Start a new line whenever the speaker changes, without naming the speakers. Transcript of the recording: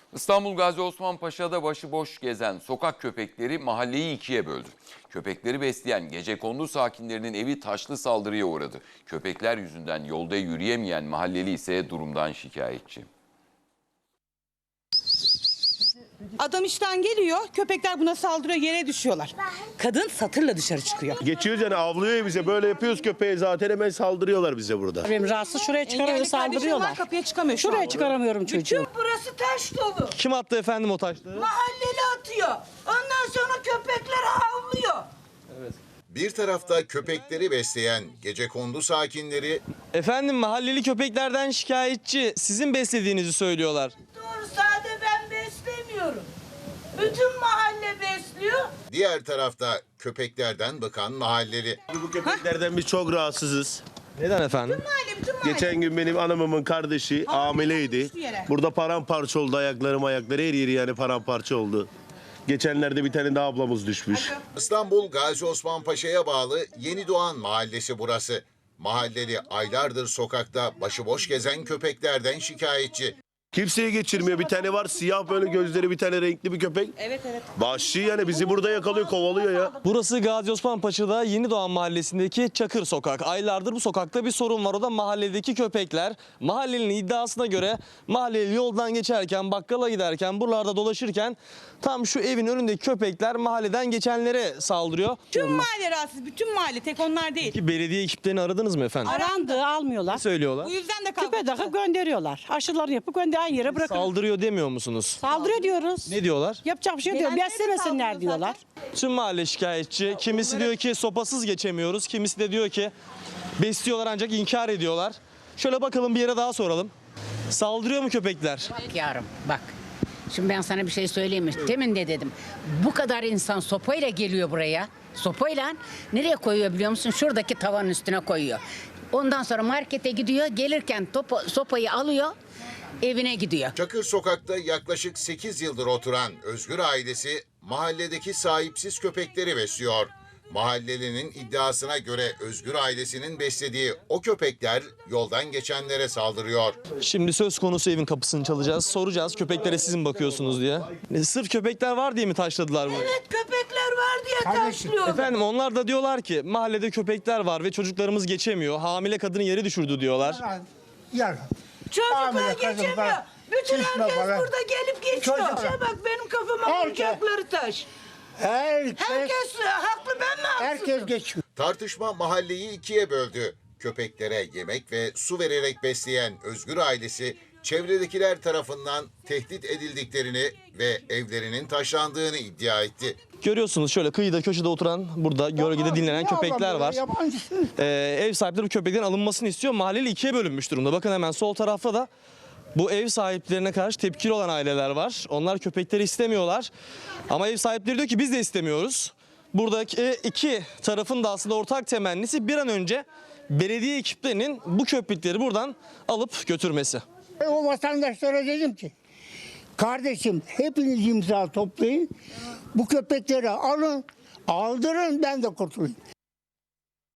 İstanbul Gazi Osman Paşa'da başıboş gezen sokak köpekleri mahalleyi ikiye böldü. Köpekleri besleyen gecekondu sakinlerinin evi taşlı saldırıya uğradı. Köpekler yüzünden yolda yürüyemeyen mahalleli ise durumdan şikayetçi.
Adam işten geliyor, köpekler buna saldırıyor, yere düşüyorlar. Kadın satırla dışarı çıkıyor.
Geçiyoruz yani avlıyor bize, böyle yapıyoruz köpeğe, zaten hemen saldırıyorlar bize burada.
Benim rahatsız, şuraya çıkaramıyor,
Engelli kardeşim
saldırıyorlar.
var, kapıya çıkamıyor şu
Şuraya
an.
çıkaramıyorum çocuğu.
Bütün burası taş dolu.
Kim attı efendim o taşları?
Mahalleli atıyor. Ondan sonra köpekler havlıyor.
Bir tarafta köpekleri besleyen gecekondu sakinleri,
Efendim mahalleli köpeklerden şikayetçi. Sizin beslediğinizi söylüyorlar.
Doğru, sade ben beslemiyorum. Bütün mahalle besliyor.
diğer tarafta köpeklerden bıkan mahalleli.
Bu köpeklerden biz çok rahatsızız.
Neden efendim?
Bütün mahalle.
Geçen gün benim hanımımın kardeşi hamileydi.
düştü yere.
Burada paramparça oldu, ayakları her yeri yani paramparça oldu. Geçenlerde bir tane daha ablamız düşmüş.
İstanbul Gazi Osman Paşa'ya bağlı Yeni Doğan mahallesi burası. Mahalleli aylardır sokakta başıboş gezen köpeklerden şikayetçi.
Kimseye geçirmiyor. Bir tane var siyah böyle gözleri, bir tane renkli bir köpek.
Evet.
Vahşi yani, bizi burada yakalıyor, kovalıyor ya.
Burası Gazi Osman Paşa'da Yenidoğan Mahallesi'ndeki Çakır Sokak. Aylardır bu sokakta bir sorun var. O da mahalledeki köpekler. Mahallenin iddiasına göre mahalleli yoldan geçerken, bakkala giderken, buralarda dolaşırken tam şu evin önündeki köpekler mahalleden geçenlere saldırıyor.
Tüm mahalle rahatsız, bütün mahalle, tek onlar değil.
Ki belediye ekiplerini aradınız mı efendim?
Arandı, almıyorlar.
Ne söylüyorlar?
Bu yüzden de kavga
Küpe
çıktı.
takıp gönderiyorlar. Aşılarını yapıp gönderen yere bırakıyor.
Saldırıyor demiyor musunuz?
Saldırıyor diyoruz.
Ne diyorlar?
Yapacak bir şey diyor.
Gelenlere de
Beslemesinler
saldırıyor
diyorlar.
Tüm mahalle şikayetçi. Kimisi diyor ki sopasız geçemiyoruz. Kimisi de diyor ki besliyorlar ancak inkar ediyorlar. Şöyle bakalım, bir yere daha soralım. Saldırıyor mu köpekler?
Bak yavrum bak. Şimdi ben sana bir şey söyleyeyim mi? Demin de dedim. Bu kadar insan sopayla geliyor buraya. Sopayla nereye koyuyor biliyor musun? Şuradaki tavanın üstüne koyuyor. Ondan sonra markete gidiyor. Gelirken sopayı alıyor. Evine gidiyor.
Çakır Sokak'ta yaklaşık 8 yıldır oturan Özgür ailesi mahalledeki sahipsiz köpekleri besliyor. Mahallelinin iddiasına göre Özgür ailesinin beslediği o köpekler yoldan geçenlere saldırıyor.
Şimdi söz konusu evin kapısını çalacağız. Soracağız köpeklere siz mi bakıyorsunuz diye. Sırf köpekler var diye mi taşladılar bunu?
Evet, köpekler var diye taşlıyor.
Efendim onlar da diyorlar ki mahallede köpekler var ve çocuklarımız geçemiyor. Hamile kadını yere düşürdü diyorlar.
Çocuklar geçemiyor. Bütün herkes
falan.
burada gelip geçiyor.
Çocuklar.
Şuna bak, benim kafama vuracakları taş. Herkes haklı, ben mi haksızım?
Herkes geçiyor.
Tartışma mahalleyi ikiye böldü. Köpeklere yemek ve su vererek besleyen Özgür ailesi çevredekiler tarafından tehdit edildiklerini ve evlerinin taşlandığını iddia etti.
Görüyorsunuz şöyle kıyıda köşede oturan, burada gölgede dinlenen köpekler var.
Yabancısı.
Ev sahipleri bu köpeklerin alınmasını istiyor. Mahalleli ikiye bölünmüş durumda. Bakın hemen sol tarafta da bu ev sahiplerine karşı tepkili olan aileler var. Onlar köpekleri istemiyorlar. Ama ev sahipleri diyor ki biz de istemiyoruz. Buradaki iki tarafın da aslında ortak temennisi bir an önce belediye ekiplerinin bu köpekleri buradan alıp götürmesi.
O vatandaşlara dedim ki, kardeşim hepiniz imza toplayın, bu köpekleri alın, aldırın, ben de kurtulayım.